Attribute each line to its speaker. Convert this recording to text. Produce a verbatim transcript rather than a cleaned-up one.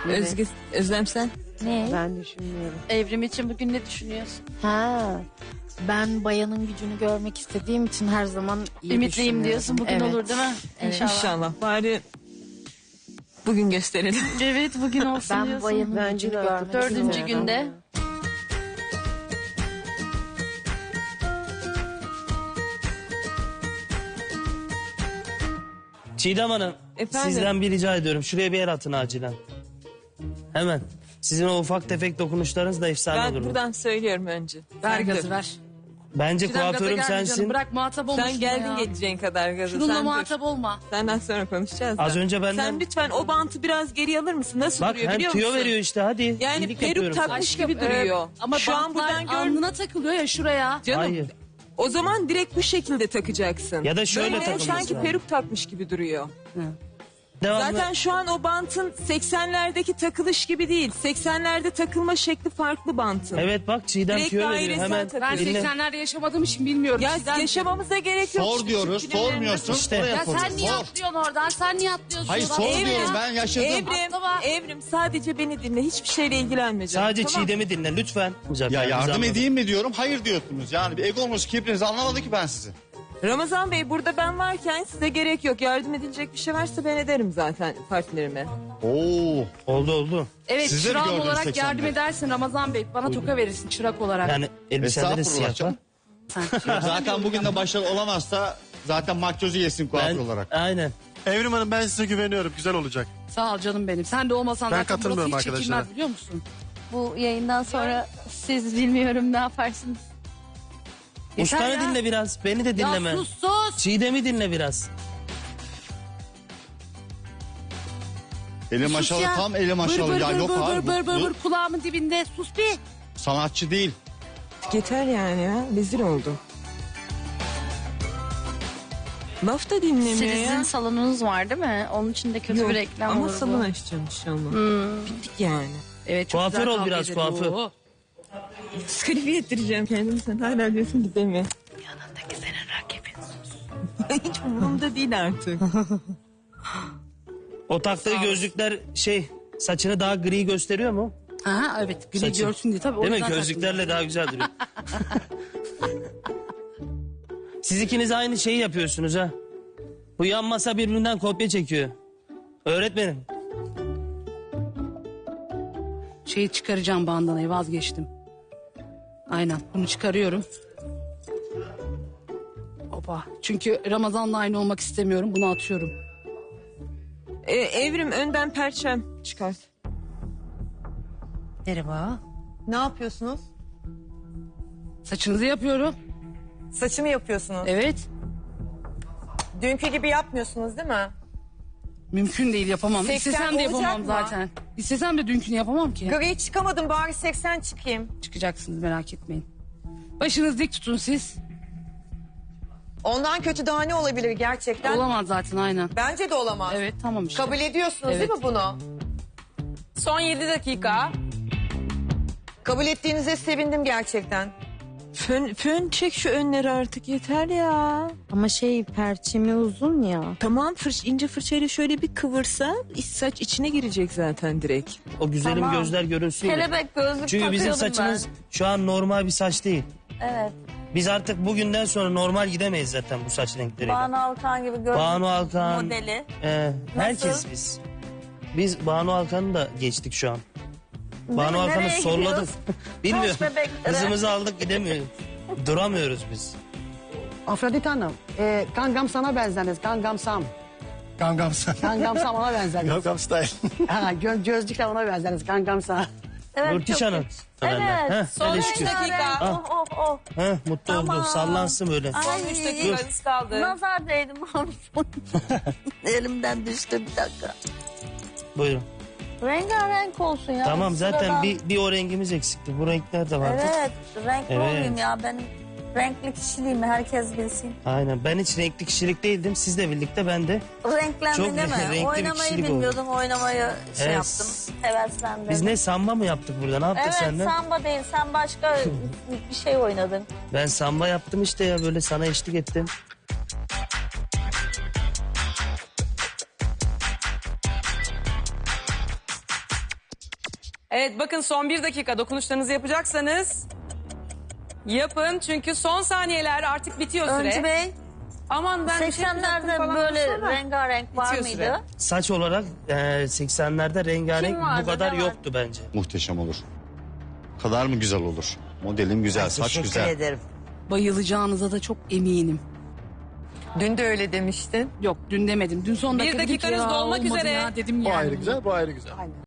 Speaker 1: Özgü, Özlem sen?
Speaker 2: Ne?
Speaker 3: Ben düşünmüyorum.
Speaker 4: Evrim için bugün ne düşünüyorsun?
Speaker 2: Ha. Ben bayanın gücünü görmek istediğim için her zaman iyi
Speaker 4: Ümitliyim
Speaker 2: düşünüyorum.
Speaker 4: diyorsun, bugün
Speaker 2: Evet.
Speaker 4: olur değil mi?
Speaker 2: Evet.
Speaker 4: İnşallah.
Speaker 1: İnşallah. Bari bugün gösterelim.
Speaker 4: Evet, bugün olsun
Speaker 2: Ben
Speaker 4: diyorsun.
Speaker 2: bayanın
Speaker 3: Bence
Speaker 2: gücünü
Speaker 3: de
Speaker 2: görmek
Speaker 4: Dördüncü
Speaker 2: istiyorum.
Speaker 4: günde.
Speaker 5: Çiğdem Hanım,
Speaker 1: Efendim?
Speaker 5: sizden bir rica ediyorum. Şuraya bir el atın acilen. Hemen. Sizin o ufak tefek dokunuşlarınız da efsane
Speaker 1: Ben
Speaker 5: durur.
Speaker 1: buradan söylüyorum önce.
Speaker 4: Ver
Speaker 1: Sen
Speaker 4: gazı
Speaker 1: dur.
Speaker 4: ver.
Speaker 5: Bence
Speaker 4: Çiğdem, gaza
Speaker 5: kuaförüm
Speaker 4: gelme canım,
Speaker 5: sensin.
Speaker 4: bırak muhatap olmuş.
Speaker 1: Sen geldin geleceğin kadar gazı.
Speaker 4: Şununla
Speaker 1: Sen
Speaker 4: muhatap
Speaker 1: dur.
Speaker 4: olma.
Speaker 1: Senden sonra konuşacağız da.
Speaker 5: Az önce benden-
Speaker 1: Sen lütfen o bantı biraz geri alır mısın? Nasıl
Speaker 5: Bak
Speaker 1: duruyor
Speaker 5: hem
Speaker 1: biliyor
Speaker 5: tüyo
Speaker 1: musun?
Speaker 5: veriyor işte hadi.
Speaker 1: Yani
Speaker 5: İyilik
Speaker 1: peruk
Speaker 5: yapıyorum sana.
Speaker 1: takmış gibi
Speaker 4: Ee,
Speaker 1: duruyor.
Speaker 4: ama
Speaker 1: Şu an
Speaker 4: bantlar
Speaker 1: buradan gör.
Speaker 4: alnına takılıyor ya şuraya.
Speaker 1: Canım.
Speaker 5: Hayır.
Speaker 1: O zaman direkt bu şekilde takacaksın.
Speaker 5: Ya da şöyle
Speaker 1: Böyle
Speaker 5: takılması
Speaker 1: sanki
Speaker 5: lazım.
Speaker 1: peruk takmış gibi duruyor.
Speaker 5: Devamlı.
Speaker 1: Zaten şu an o bantın seksenlerdeki takılış gibi değil. seksenlerde takılma şekli farklı bantın.
Speaker 5: Evet bak Çiğdem
Speaker 1: Direkt
Speaker 5: tüyo veriyor
Speaker 1: dairesel
Speaker 5: hemen.
Speaker 1: takıyor.
Speaker 4: Ben
Speaker 5: Dinle.
Speaker 4: seksenlerde yaşamadığım için bilmiyorum.
Speaker 1: Ya
Speaker 4: Çiğdem.
Speaker 1: yaşamamıza gerek yok.
Speaker 6: Sor
Speaker 1: Çünkü
Speaker 6: diyoruz,
Speaker 1: Türk filmlerinde-
Speaker 6: sormuyorsun.
Speaker 5: İşte.
Speaker 6: Oraya
Speaker 4: Ya
Speaker 6: soruyorsun.
Speaker 4: sen niye
Speaker 6: Sor.
Speaker 4: atlıyorsun oradan? Sen niye atlıyorsun?
Speaker 6: Hayır,
Speaker 4: oradan?
Speaker 6: sor
Speaker 4: Evrim,
Speaker 6: diyorum, ben yaşadım.
Speaker 1: Evrim,
Speaker 4: Atlama.
Speaker 1: Evrim sadece beni dinle. Hiçbir şeyle ilgilenme canım.
Speaker 5: Sadece
Speaker 1: Tamam.
Speaker 5: Çiğdem'i dinle lütfen.
Speaker 6: Ya
Speaker 5: Biz
Speaker 6: yardım
Speaker 5: anladık.
Speaker 6: edeyim mi diyorum, hayır diyorsunuz. Yani bir egonuz, kibrinizi anlamadı ki ben sizi.
Speaker 1: Ramazan Bey burada ben varken size gerek yok. Yardım edilecek bir şey varsa ben ederim zaten partilerime.
Speaker 6: Oo.
Speaker 5: Oldu oldu.
Speaker 4: Evet,
Speaker 6: Sizleri
Speaker 4: çırak
Speaker 6: gördüm
Speaker 4: olarak
Speaker 6: seksende.
Speaker 4: yardım edersin Ramazan Bey. Bana toka verirsin çırak olarak.
Speaker 5: Yani elbiseleri
Speaker 6: Estağfurullah
Speaker 5: siyah var.
Speaker 6: canım. Zaten bugün de başarılı olamazsa zaten makyozu yesin kuaför
Speaker 5: Ben,
Speaker 6: olarak.
Speaker 5: aynen.
Speaker 7: Evrim Hanım ben size güveniyorum. Güzel olacak.
Speaker 4: Sağ ol canım benim. Sen de olmasan
Speaker 7: Ben
Speaker 4: zaten burası
Speaker 7: katılmıyorum
Speaker 4: hiç çekilmez
Speaker 7: arkadaşlara.
Speaker 4: biliyor musun?
Speaker 2: Bu yayından sonra siz bilmiyorum ne yaparsınız.
Speaker 5: Ustanı
Speaker 4: ya.
Speaker 5: dinle biraz. Beni de dinleme.
Speaker 4: Ya sus sus.
Speaker 5: Çiğdem'i dinle biraz.
Speaker 6: Eli
Speaker 4: Sus
Speaker 6: maşalı
Speaker 4: ya.
Speaker 6: tam eli maşalı.
Speaker 4: Bır
Speaker 6: Ya
Speaker 4: bır
Speaker 6: yok
Speaker 4: bır
Speaker 6: abi.
Speaker 4: bır bır bır
Speaker 6: bu-
Speaker 4: bır kulağımın dibinde. Sus bir.
Speaker 6: Sanatçı değil.
Speaker 1: Yeter yani ya. Rezil oldu. Laf da dinlemiyor
Speaker 2: Sizin
Speaker 1: ya.
Speaker 2: salonunuz var değil mi? Onun için de kötü
Speaker 1: Yok,
Speaker 2: bir reklam
Speaker 1: ama
Speaker 2: olur
Speaker 1: salon
Speaker 2: bu.
Speaker 1: açacağım inşallah.
Speaker 4: Hmm.
Speaker 1: Bittik yani.
Speaker 4: Evet çok
Speaker 5: Kuaför
Speaker 4: güzel
Speaker 5: ol
Speaker 4: kavga
Speaker 5: biraz,
Speaker 4: ederim.
Speaker 5: kuaför.
Speaker 4: Oo.
Speaker 1: Diskalifiye ettireceğim kendimi. Sen hala diyorsun ki deme.
Speaker 4: Yanındaki senin rakibin.
Speaker 1: Hiç umurumda değil artık.
Speaker 5: O taktığı gözlükler şey saçını daha gri gösteriyor mu?
Speaker 4: Aha evet gri
Speaker 5: Saçı.
Speaker 4: görsün diye tabii. o
Speaker 5: Değil mi?
Speaker 4: yüzden
Speaker 5: Gözlüklerle daha güzel duruyor. Siz ikiniz aynı şeyi yapıyorsunuz ha. Bu yan masa birbirinden kopya çekiyor. Öğretmenim.
Speaker 4: Şeyi çıkaracağım bandanayı vazgeçtim. Aynen bunu çıkarıyorum. Opa. Çünkü Ramazan'la aynı olmak istemiyorum. Bunu atıyorum.
Speaker 1: Ee, Evrim önden perçem çıkart.
Speaker 4: Merhaba.
Speaker 8: Ne yapıyorsunuz?
Speaker 4: Saçınızı yapıyorum.
Speaker 8: Saçımı yapıyorsunuz.
Speaker 4: Evet.
Speaker 8: Dünkü gibi yapmıyorsunuz değil mi?
Speaker 4: Mümkün değil yapamam.
Speaker 8: seksen
Speaker 4: İstesem de
Speaker 8: olacak
Speaker 4: yapamam
Speaker 8: mı?
Speaker 4: zaten. İstesem de dünkünü yapamam ki.
Speaker 8: Gri çıkamadım bari seksen çıkayım.
Speaker 4: Çıkacaksınız merak etmeyin. Başınızı dik tutun siz.
Speaker 8: Ondan kötü daha ne olabilir gerçekten?
Speaker 4: Olamaz zaten aynen.
Speaker 8: Bence de olamaz.
Speaker 4: Evet tamam işte.
Speaker 8: Kabul ediyorsunuz
Speaker 4: Evet.
Speaker 8: değil mi bunu?
Speaker 1: Son yedi dakika.
Speaker 8: Kabul ettiğinize sevindim gerçekten.
Speaker 1: Fön, fön çek şu önleri artık yeter ya.
Speaker 2: Ama şey perçemi uzun ya.
Speaker 1: Tamam fırç, ince fırçayla şöyle bir kıvırsa iç saç içine girecek zaten direkt.
Speaker 5: O güzelim
Speaker 2: Tamam.
Speaker 5: gözler görünsün. diye.
Speaker 2: Kelebek gözlük
Speaker 5: Çünkü bizim
Speaker 2: takıyordum
Speaker 5: saçımız şu an normal bir saç değil.
Speaker 2: ben. Evet.
Speaker 5: Biz artık bugünden sonra normal gidemeyiz zaten bu saç renkleriyle.
Speaker 2: Banu Alkan gibi gözlük
Speaker 5: Banu Alkan.
Speaker 2: modeli.
Speaker 5: Ee, herkes biz. Biz Banu Alkan'ı da geçtik şu an. Banu Alkan'ı
Speaker 2: Nereye
Speaker 5: solladık.
Speaker 2: gidiyoruz?
Speaker 5: Bilmiyorum.
Speaker 2: Taş bebeklere.
Speaker 5: Hızımızı aldık gidemiyoruz. Duramıyoruz biz.
Speaker 3: Afrodit Hanım, e, Gangnam sana benzeriz. Gangnam Sam.
Speaker 7: Gangnam Style.
Speaker 3: Gangnam Sam ona benzeriz.
Speaker 7: Gangnam Style.
Speaker 3: ha, gö gözlükle ona benzeriz. Gangnam Sam.
Speaker 2: Evet,
Speaker 5: Nurtiş
Speaker 2: çok
Speaker 5: Hanım.
Speaker 2: güzel.
Speaker 5: Heh,
Speaker 2: Evet.
Speaker 1: Son
Speaker 5: hele
Speaker 1: üç
Speaker 5: şükür.
Speaker 1: dakika.
Speaker 2: Oh oh oh.
Speaker 5: Heh, mutlu oldu. Sallansın böyle.
Speaker 1: Son üç dakikanız kaldı.
Speaker 2: Nazar değdim abi. Elimden düştü bir dakika.
Speaker 5: Buyurun.
Speaker 2: Rengarenk olsun ya.
Speaker 5: Tamam zaten
Speaker 2: Sıradan.
Speaker 5: bir, bir o rengimiz eksikti. Bu renkler de vardı.
Speaker 2: Evet renkli
Speaker 5: Evet.
Speaker 2: olayım ya benim renkli kişiliğimi herkes bilsin.
Speaker 5: Aynen. Ben hiç renkli kişilik değildim. Sizle birlikte ben de.
Speaker 2: Renklendin
Speaker 5: Çok
Speaker 2: değil mi?
Speaker 5: renkli bir
Speaker 2: Oynamayı
Speaker 5: kişilik
Speaker 2: bilmiyordum oynamayı şey
Speaker 5: Evet.
Speaker 2: yaptım. Heveslendim.
Speaker 5: Biz ne samba mı yaptık burada? Ne yaptık
Speaker 2: Evet
Speaker 5: seninle?
Speaker 2: samba değil sen başka bir şey oynadın.
Speaker 5: Ben samba yaptım işte ya böyle sana eşlik ettim.
Speaker 9: Evet bakın son bir dakika dokunuşlarınızı yapacaksanız yapın. Çünkü son saniyeler artık bitiyor süre.
Speaker 10: Öncü Bey,
Speaker 9: Aman ben bir şey yapacaktım
Speaker 10: seksenlerde
Speaker 9: falan
Speaker 10: böyle
Speaker 9: desene.
Speaker 10: rengarenk var
Speaker 9: Bitiyor
Speaker 10: mıydı?
Speaker 9: süre.
Speaker 5: Saç olarak e, seksenlerde rengarenk
Speaker 10: Kim vardı,
Speaker 5: bu kadar
Speaker 10: ne vardı?
Speaker 5: yoktu bence.
Speaker 6: Muhteşem olur. O kadar mı güzel olur? Modelin güzel, saç
Speaker 10: Teşekkür
Speaker 6: güzel.
Speaker 10: ederim.
Speaker 4: Bayılacağınıza da çok eminim.
Speaker 8: Dün de öyle demiştin.
Speaker 4: Yok dün demedim. Dün son
Speaker 9: Bir
Speaker 4: dakika dedim ki
Speaker 9: dakikanız
Speaker 4: ya
Speaker 9: dolmak
Speaker 4: olmadı
Speaker 9: üzere.
Speaker 4: ya dedim
Speaker 7: Bu
Speaker 4: yani.
Speaker 7: ayrı güzel, bu ayrı güzel.